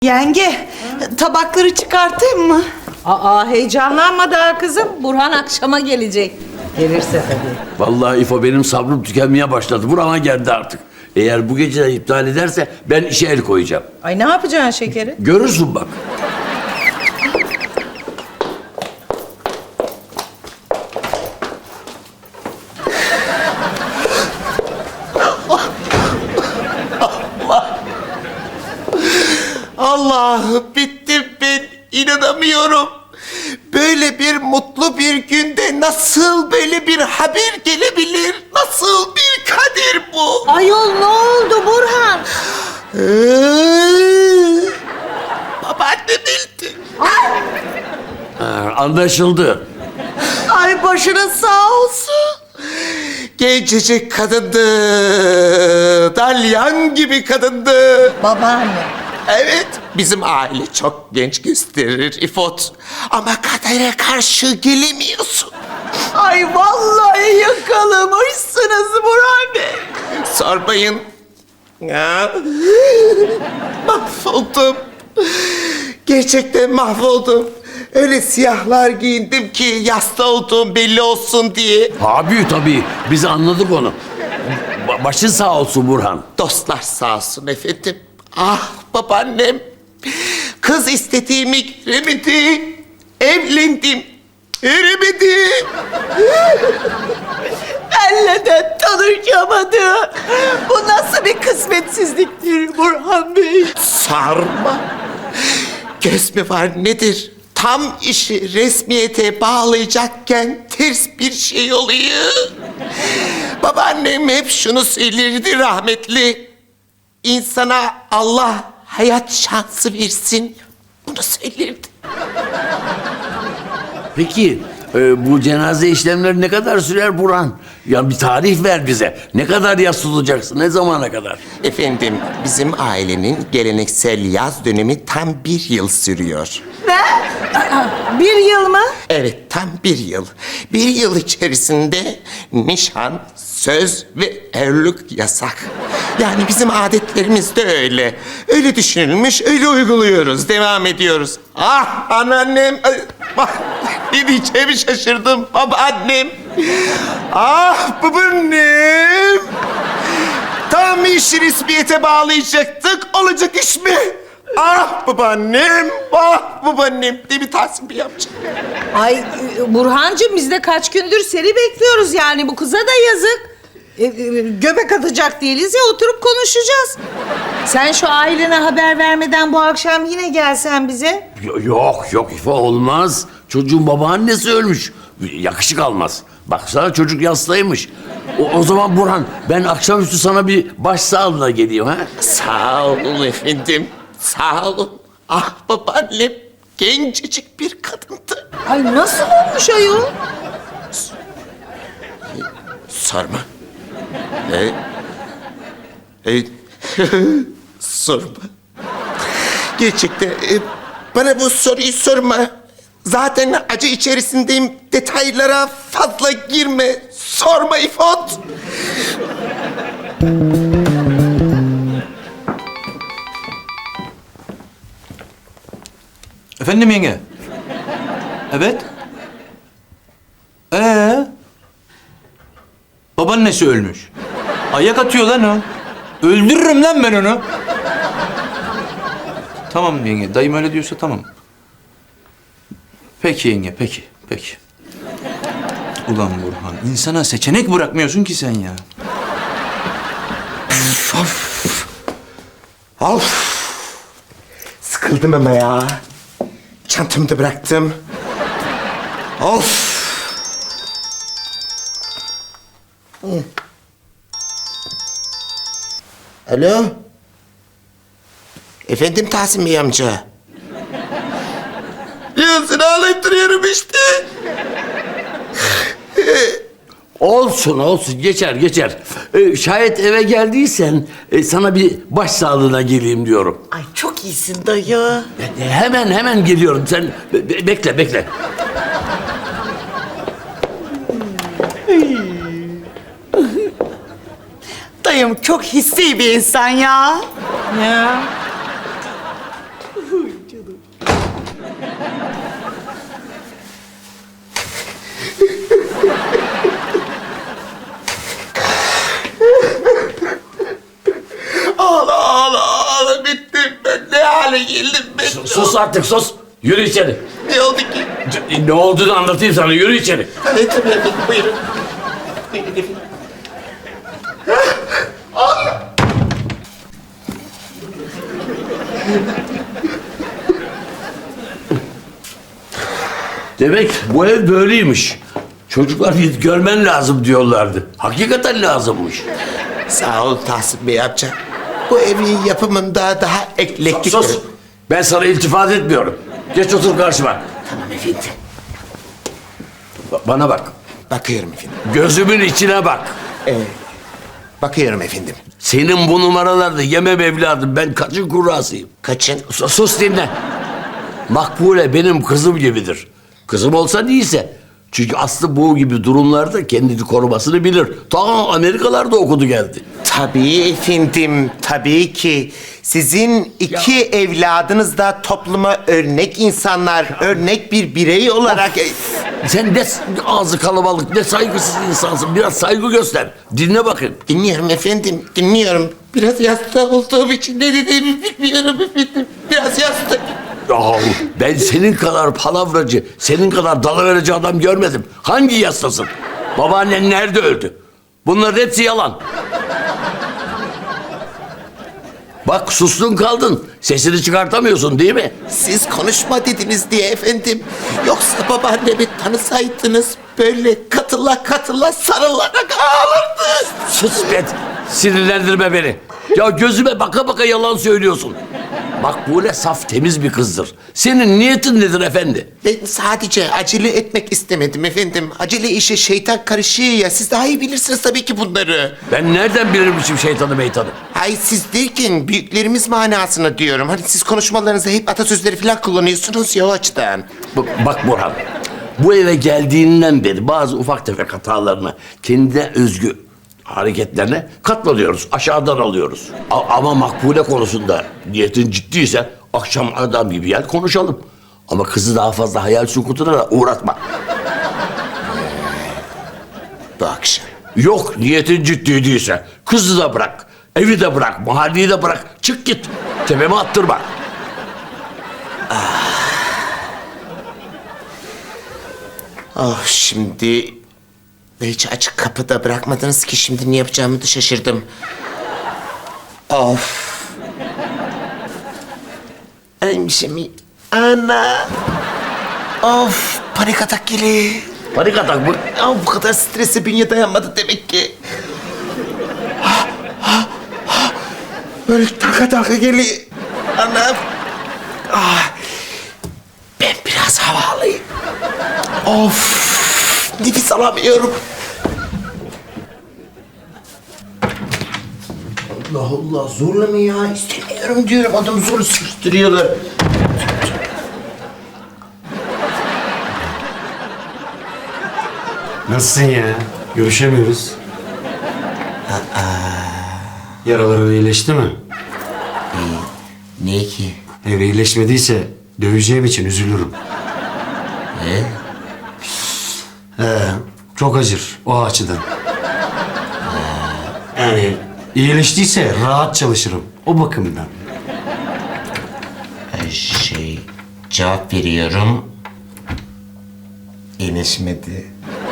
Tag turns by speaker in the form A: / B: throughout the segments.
A: Yenge, tabakları çıkartayım mı?
B: Aa, heyecanlanma daha kızım. Burhan akşama gelecek. Gelirse tabii.
C: Vallahi İfo benim sabrım tükenmeye başladı. Burama geldi artık. Eğer bu gece de iptal ederse ben işe el koyacağım.
B: Ay ne yapacaksın şekeri?
C: Görürsün bak.
D: Allah'ım bittim ben. İnanamıyorum. Böyle bir mutlu bir günde nasıl böyle bir haber gelebilir? Nasıl bir kader bu?
B: Ayol ne oldu Burhan?
D: Babaannem öldü.
C: Anlaşıldı.
A: Ay başınız sağ olsun.
D: Gencecik kadındı. Dalyan gibi kadındı.
B: Babaanne.
D: Evet, bizim aile çok genç gösterir İfot. Ama kadere karşı gelemiyorsun.
A: Ay vallahi yakalamışsınız Burhan Bey.
D: Sormayın. Ya. Mahvoldum. Gerçekten mahvoldum. Öyle siyahlar giyindim ki yasta olduğum belli olsun diye.
C: Abi tabii biz anladık onu. Başın sağ olsun Burhan.
D: Dostlar sağ olsun efendim. Ah babaannem. Kız istediğimi giremedi. Evlendim. Giremedim.
A: Benle de tanışamadı. Bu nasıl bir kısmetsizliktir Burhan Bey?
D: Sarma. Göz mü var nedir? Tam işi resmiyete bağlayacakken ters bir şey oluyor. Babaannem hep şunu söylerdi rahmetli. İnsana Allah hayat şansı versin. Bunu söylerdi.
C: Peki bu cenaze işlemleri ne kadar sürer Burhan? Ya bir tarih ver bize. Ne kadar yas tutacaksın? Ne zamana kadar?
D: Efendim, bizim ailenin geleneksel yaz dönemi tam 1 yıl sürüyor.
B: Bir yıl mı?
D: Evet, tam 1 yıl. 1 yıl içerisinde nişan, söz ve evlilik yasak. Yani bizim adetlerimiz de öyle. Öyle düşünülmüş, öyle uyguluyoruz, devam ediyoruz. Ah anneannem, ne diyeceğimi şaşırdım. Babaannem, ah babaannem. Tam işi resmiyete bağlayacaktık, olacak iş mi? Ah babaannem, ah babaannem. Değil mi Tahsin Bey amca?
B: Ay Burhancığım biz de kaç gündür seni bekliyoruz yani bu kıza da yazık. Göbek atacak değiliz ya oturup konuşacağız. Sen şu ailene haber vermeden bu akşam yine gelsen bize.
C: Yok İfo olmaz. Çocuğun babaannesi ölmüş. Yakışık almaz. Baksana çocuk yastaymış. O zaman Burhan ben akşamüstü sana bir başsağlığına geleyim ha.
D: Sağ olun efendim, sağ olun. Ah babaannem, gencecik bir kadındı.
B: Ay nasıl olmuş ayol?
D: Sorma. Sorma. Gerçekten bana bu soruyu sorma. Zaten acı içerisindeyim. Detaylara fazla girme. Sorma İfot.
E: Efendim yenge? Evet. Babaannesi ölmüş. Ayak atıyor lan o. Öldürürüm lan ben onu. Tamam yenge, dayım öyle diyorsa tamam. Peki yenge, peki. Ulan Burhan, insana seçenek bırakmıyorsun ki sen ya.
D: Of. Sıkıldım ama ya. Çantamı da bıraktım. Of. Alo. Efendim Tahsin Bey amca. Ya seni ağlayıp duruyorum işte.
C: Olsun geçer. Şayet eve geldiysen sana bir başsağlığına geleyim diyorum.
A: Ay çok iyisin dayı.
C: Hemen geliyorum. Sen bekle.
A: Dayım çok hissi bir insan ya.
B: Ya.
D: Ağla ağla ağla bittim ben. Ne hale geldim ben?
C: Sus artık sus. Yürü içeri.
D: Ne oldu ki?
C: Ne olduğunu anlatayım sana. Yürü içeri.
D: Evet tabii efendim buyurun. Buyurun efendim.
C: Demek bu ev böyleymiş. Çocuklar git görmen lazım diyorlardı. Hakikaten lazımmış.
D: Sağ ol Tahsin Bey amca. Bu evin yapımında daha eklektik...
C: Sus. Ben sana iltifat etmiyorum. Geç otur karşıma.
D: Tamam efendim.
C: Bana bak.
D: Bakıyorum efendim.
C: Gözümün içine bak.
D: Bakıyorum efendim.
C: Senin bu numaralarda yemem evladım. Ben kaçın kurrasıyım.
D: Kaçın?
C: Sus dinle. Makbule benim kızım gibidir. Kızım olsa değilse. Çünkü Aslı bu gibi durumlarda kendini korumasını bilir. Ta Amerikalarda okudu geldi.
D: Tabii efendim, tabii ki. Sizin iki evladınız da topluma örnek insanlar, örnek bir birey olarak...
C: Sen ne ağzı kalabalık, ne saygısız insansın. Biraz saygı göster. Dinle bakın.
D: Dinliyorum efendim, dinliyorum. Biraz yasta olduğum için ne dediğimi bilmiyorum efendim. Biraz yasta.
C: Yahu ben senin kadar palavracı, senin kadar dalıverici adam görmedim. Hangi yastasın? Babaannen nerede öldü? Bunların hepsi yalan. Bak sustun kaldın. Sesini çıkartamıyorsun değil mi?
D: Siz konuşma dediniz diye efendim. Yoksa babaannemi tanısaydınız böyle katıla sarılarak ağlardı.
C: Sus be. Sinirlendirme beni. Ya gözüme baka baka yalan söylüyorsun. Makbule saf temiz bir kızdır. Senin niyetin nedir efendi?
D: Ben sadece acele etmek istemedim efendim. Acele işe şeytan karışıyor ya. Siz daha iyi bilirsiniz tabii ki bunları.
C: Ben nereden bilirmişim şeytanı meytanı?
D: Hayır siz derken büyüklerimiz manasına diyorum. Hani siz konuşmalarınızda hep atasözleri falan kullanıyorsunuz ya o açıdan.
C: Bak Burhan, bu eve geldiğinden beri bazı ufak tefek hatalarına, kendine özgü hareketlerine katlanıyoruz, aşağıdan alıyoruz. Ama Makbule konusunda niyetin ciddiyse akşam adam gibi gel konuşalım. Ama kızı daha fazla hayal sukutuna da uğratma.
D: Bu akşam.
C: Yok niyetin ciddi değilse kızı da bırak, evi de bırak, mahalleyi de bırak. Çık git, tepeme attırma.
D: Oh şimdi... Hiç açık kapıda bırakmadınız ki şimdi ne yapacağımı da şaşırdım. Of. Hemşemi. Ana. Of. Panik atak geliyor.
C: Panik atak mı?
D: Ya bu kadar strese bünye dayanmadı demek ki. Böyle taka geliyor. Anam. Ah. Ben biraz hava alayım. Of. Nefes alamıyorum. Allah Allah zorla mı ya? İstemiyorum diyorum. Adamı zor sıkıştırıyorlar.
F: Nasılsın ya? Görüşemiyoruz. Yaraların iyileşti mi?
D: Niye ki?
F: Eğer iyileşmediyse döveceğim için üzülürüm. Çok acır o açıdan. Yani iyileştiyse rahat çalışırım o bakımdan.
D: Cevap veriyorum. İyileşmedi.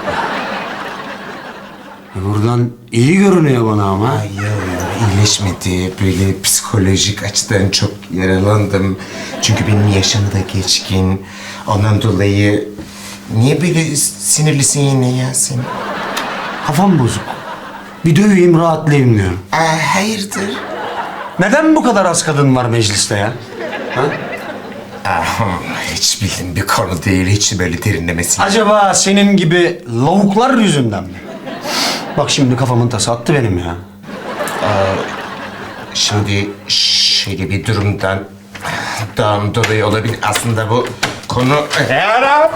F: Buradan iyi görünüyor bana ama.
D: Hayır, iyileşmedi. Böyle psikolojik açıdan çok yaralandım. Çünkü benim yaşım da geçkin. Ondan dolayı... Niye böyle sinirlisin yine ya sen?
F: Kafam bozuk. Bir döveyim rahatlayayım diyorum.
D: Hayırdır?
F: Neden bu kadar az kadın var mecliste ya? Ha?
D: Hiç bildiğim bir konu değil. Hiç böyle derinlemesin.
F: Acaba senin gibi lavuklar yüzünden mi? Bak şimdi kafamın tası attı benim ya.
D: Şimdi şöyle bir durumdan dolayı olabilir. Aslında bu konu... Arap!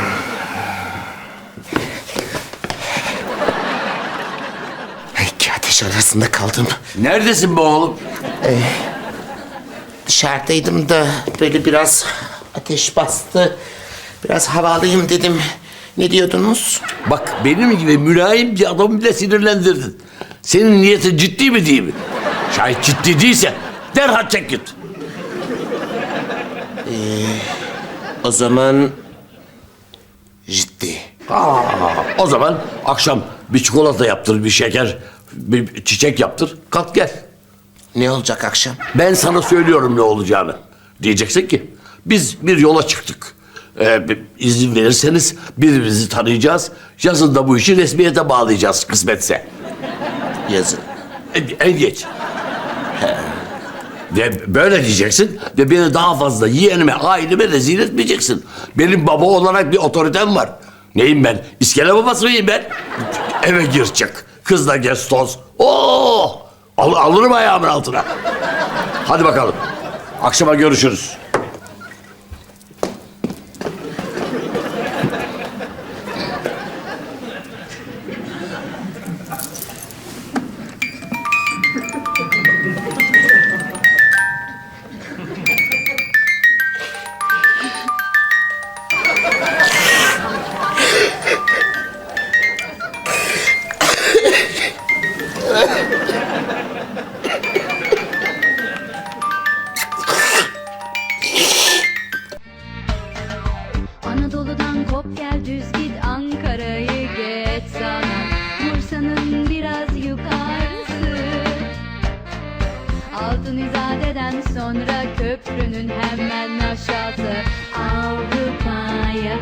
D: Peki ateş taş arasında kaldım.
C: Neredesin be oğlum?
D: Dışarıdaydım da böyle biraz ateş bastı. Biraz hava alayım dedim. Ne diyordunuz?
C: Bak benim gibi mülayim bir adamı bile sinirlendirdin. Senin niyetin ciddi mi değil mi? Şayet ciddi değilse derhal çek git.
D: O zaman ciddi.
C: O zaman akşam bir çikolata yaptır, bir şeker, bir çiçek yaptır. Kalk gel.
D: Ne olacak akşam?
C: Ben sana söylüyorum ne olacağını. Diyeceksin ki biz bir yola çıktık. İzin verirseniz birbirimizi tanıyacağız. Yazın da bu işi resmiyete bağlayacağız kısmetse.
D: Yazın.
C: En geç. Ve böyle diyeceksin ve beni daha fazla yeğenime, aileme rezil etmeyeceksin. Benim baba olarak bir otoritem var. Neyim ben? İskele babası mıyım ben? Eve gir çık. Kızla gez toz. Oo! Alırım ayağımın altına. Hadi bakalım. Akşama görüşürüz.
G: Anadolu'dan kop gel düz git Ankara'yı geç sana Bursa'nın biraz yukarısı Altın İzade'den sonra köprünün hemen aşağısı Avrupa yakası